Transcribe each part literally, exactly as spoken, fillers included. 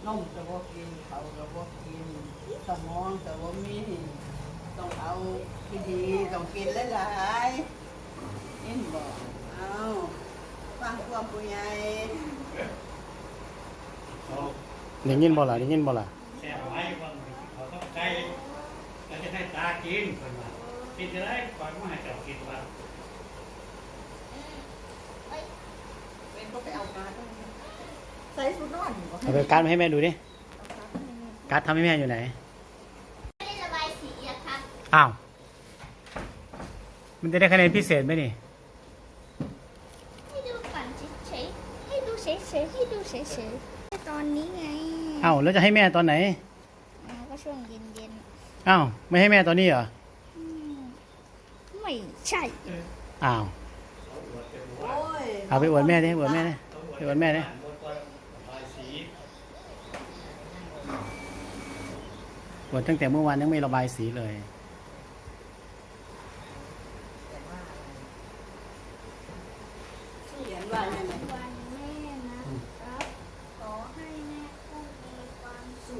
นมแต่ว่ากินเขาแต่ว่ากินสมองแต่ว่ามีต้องเอาที่ดีต้องกินหลายๆนี่บอกเอาฟังความผู้ใหญ่ได้ยินบ่ล่ะได้ยินบ่ล่ะแช่ไว้ว่าเขาต้องใช้แล้วจะให้ตากินคนว่ากินจะได้ก่อนว่าให้เจ้ากินว่าเป็นก็ไปเอาการใส่ชุดนอนเอาไปการ์ดมาให้แม่ดูดิการ์ดทำให้แม่อยู่ไหนไม่ได้ระบายสีอะครับอ้าวมันจะได้คะแนนพิเศษไหมนี่ให้ดูก่อนเฉยๆให้ดูเฉยๆให้ดูเฉยๆตอนนี้ไงอ้าวแล้วจะให้แม่ตอนไหนอ๋อก็ช่วงเย็นอ้าวไม่ให้แม่ตอนนี้เหรอไม่ใช่อ้าวเอาไปอวดแม่ดิอวดแม่ดิไปอวดแม่ดิอวดตั้งแต่เมื่อวานยังไม่ระบายสีเลยเขียนว่าอย่างไรวันแม่นะครับขอให้แม่กุ้งมีความสุข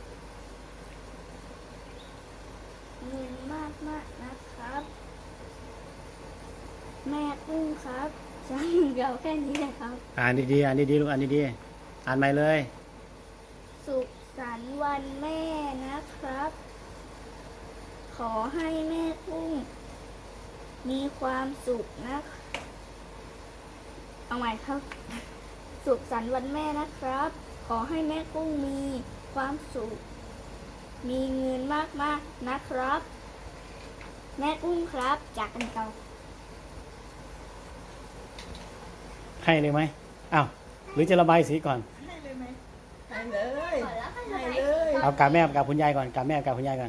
เงินมากมากนะครับแม่กุ้งครับช่างเดียวแค่นี้นะครับอ่านดีๆอ่านดีๆลูกอ่านดีๆอ่านใหม่เลยสุขสันต์วันแม่นะครับขอให้แม่กุ้งมีความสุขนะเอาใหม่ครับสุขสันต์วันแม่นะครับขอให้แม่กุ้งมีความสุขมีเงินมากๆนะครับแม่กุ้งครับจากกันเก่าให้เลยไหมอ้าวหรือจะระบายสีก่อนให้เลยไหมให้เลยให้เลยเอากับแม่กับคุณยายก่อนกับแม่กับคุณยายก่อน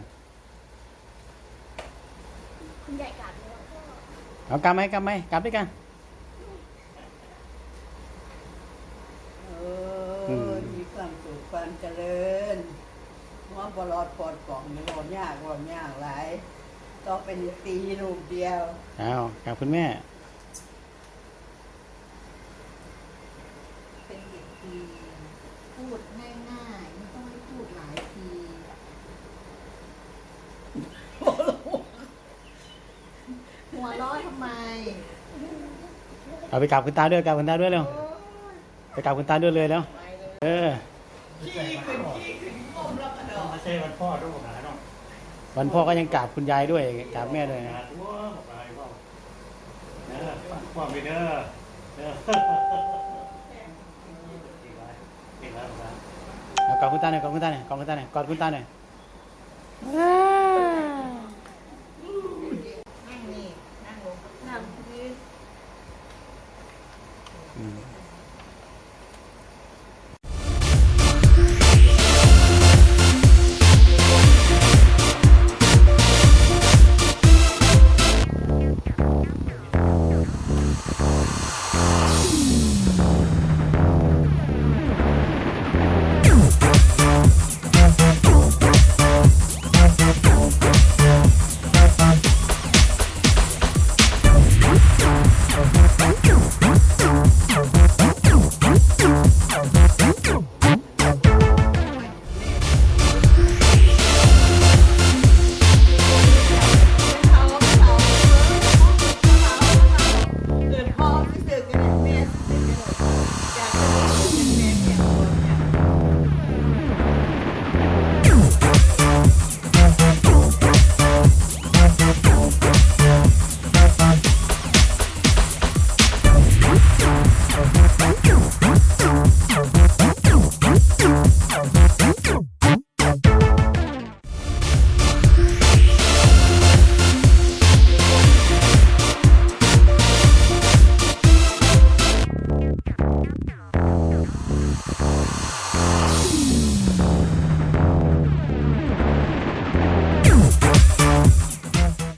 คุณใหญ่กัดเลยเอากับไหมกับไหมกับด้วยกันเออมีความสุขความเจริญว่าบลอดปอดกล่องนี่บ่ยากบ่ยากหลายต้องเป็นตีลูกเดียวเอากับคุณแม่เป็นเด็กดีพูดง่ายๆไม่ต้องให้พูดหลายทีหัวร้อนทำไมเอาไปกับคุณตาด้วยกับคุณตาด้วยเร็วไปกับคุณตาด้วยเลยแล้วเออขี้ขึ้นขี้ขึ้นก้มแล้วกระโดดไม่ใช่วันพ่อด้วยหาเนาะวันพ่อก็ยังกราบคุณยายด้วยกราบแม่ด้วยหาตัวบอกอะไรพ่อเด้อพ่อไปเด้อเด้อเอากอดคุณตาหน่อยกอดคุณตาหน่อยกอดคุณตาหน่อยกอดคุณตาหน่อย